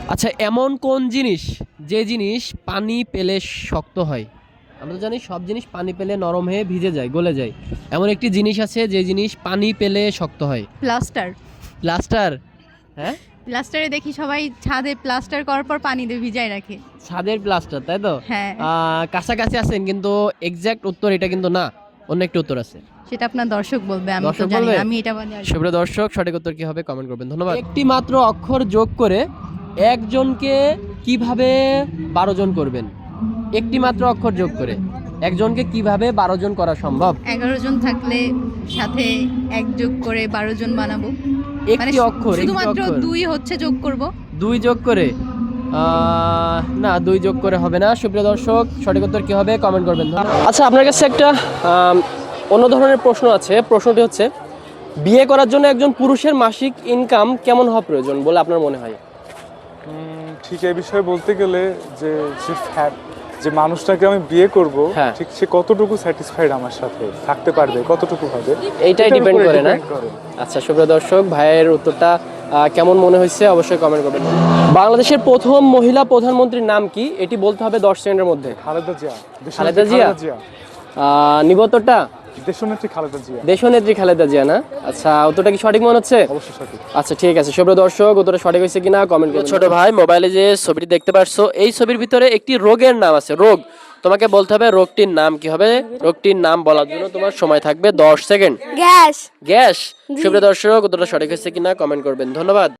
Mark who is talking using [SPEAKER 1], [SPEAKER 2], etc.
[SPEAKER 1] আচ্ছা, এমন কোন জিনিস যে জিনিস পানি পেলে শক্ত হয়? আমরা তো জানি সব জিনিস পানি পেলে নরম হয়ে ভিজে যায়, গলে যায়। এমন একটি জিনিস আছে যে জিনিস পানি পেলে শক্ত হয়।
[SPEAKER 2] প্লাস্টার।
[SPEAKER 1] প্লাস্টার? হ্যাঁ,
[SPEAKER 2] প্লাস্টারে দেখি সবাই ছাদে প্লাস্টার করার পর পানি দিয়ে ভিজায় রাখে।
[SPEAKER 1] ছাদের প্লাস্টার, তাই তো?
[SPEAKER 2] হ্যাঁ,
[SPEAKER 1] কাছাকাছি আছেন, কিন্তু এক্সাক্ট উত্তর এটা কিন্তু না। অন্য একটি উত্তর আছে।
[SPEAKER 2] সেটা আপনার দর্শক বলবে, আমি তো
[SPEAKER 1] দর্শক
[SPEAKER 2] জানি
[SPEAKER 1] বলবে?
[SPEAKER 2] না, আমি এটা বাদে আর
[SPEAKER 1] সুপ্রিয় দর্শক, সঠিক উত্তর কি হবে কমেন্ট করবেন, ধন্যবাদ। একটি মাত্র অক্ষর যোগ করে একজনকে কিভাবে 12 জন করবেন? একটি মাত্র অক্ষর যোগ করে একজনকে কিভাবে 12 জন করা সম্ভব?
[SPEAKER 2] 11 জন থাকলে সাথে এক যোগ করে 12 জন বানাবো। মানে
[SPEAKER 1] একটি অক্ষর, একটি
[SPEAKER 2] শুধুমাত্র
[SPEAKER 1] অক্ষর
[SPEAKER 2] 2 হচ্ছে যোগ করব।
[SPEAKER 1] 2 যোগ করে না, 2 যোগ করে হবে না। সুপ্রিয় দর্শক, সঠিক উত্তর কি হবে কমেন্ট করবেন, ধন্যবাদ। আচ্ছা, আপনার কাছে একটা অন্য ধরনের প্রশ্ন আছে। প্রশ্নটি হচ্ছে, বিয়ে করার জন্য একজন পুরুষের মাসিক ইনকাম কেমন হওয়া প্রয়োজন বলে আপনার মনে হয়?
[SPEAKER 3] ঠিক এই বিষয়ে বলতে গেলে যে যে যে মানুষটাকে আমি বিয়ে করব,
[SPEAKER 1] হ্যাঁ।
[SPEAKER 3] ঠিক সে কতটুকু স্যাটিসফাইড আমার সাথে থাকতে পারবে, কতটুকু হবে,
[SPEAKER 1] এইটাই
[SPEAKER 3] এটার
[SPEAKER 1] ডিপেন্ড
[SPEAKER 3] উপরে
[SPEAKER 1] করে না?
[SPEAKER 3] depend করে।
[SPEAKER 1] আচ্ছা, সুপ্রিয় দর্শক, ভাইয়ের উত্তরটা কেমন মনে হয়েছে অবশ্যই কমেন্ট করবেন। বাংলাদেশের প্রথম মহিলা প্রধানমন্ত্রীর নাম কি? এটি বলতে হবে 10 সেকেন্ডের মধ্যে।
[SPEAKER 3] খালেদা জিয়া।
[SPEAKER 1] খালেদা জিয়া? নিবতটা
[SPEAKER 3] দেশনেত্রী খালেদা জিয়া।
[SPEAKER 1] দেশনেত্রী খালেদা জিয়া না? আচ্ছা, উত্তরটা কি সঠিক মনে হচ্ছে?
[SPEAKER 3] অবশ্যই সঠিক।
[SPEAKER 1] আচ্ছা, ঠিক আছে। সুপ্রিয় দর্শক, উত্তরটা সঠিক হয়েছে কিনা কমেন্ট করুন। ছোট ভাই, মোবাইলে যে ছবিটি দেখতে পারছো, এই ছবির ভিতরে একটি রোগের নাম আছে। রোগ, তোমাকে বলতে হবে রোগটির নাম কি হবে। রোগটির নাম বলার জন্য তোমার সময় থাকবে 10 সেকেন্ড।
[SPEAKER 4] গ্যাস।
[SPEAKER 1] গ্যাস? সুপ্রিয় দর্শক, উত্তরটা সঠিক হয়েছে কিনা কমেন্ট করবেন, ধন্যবাদ।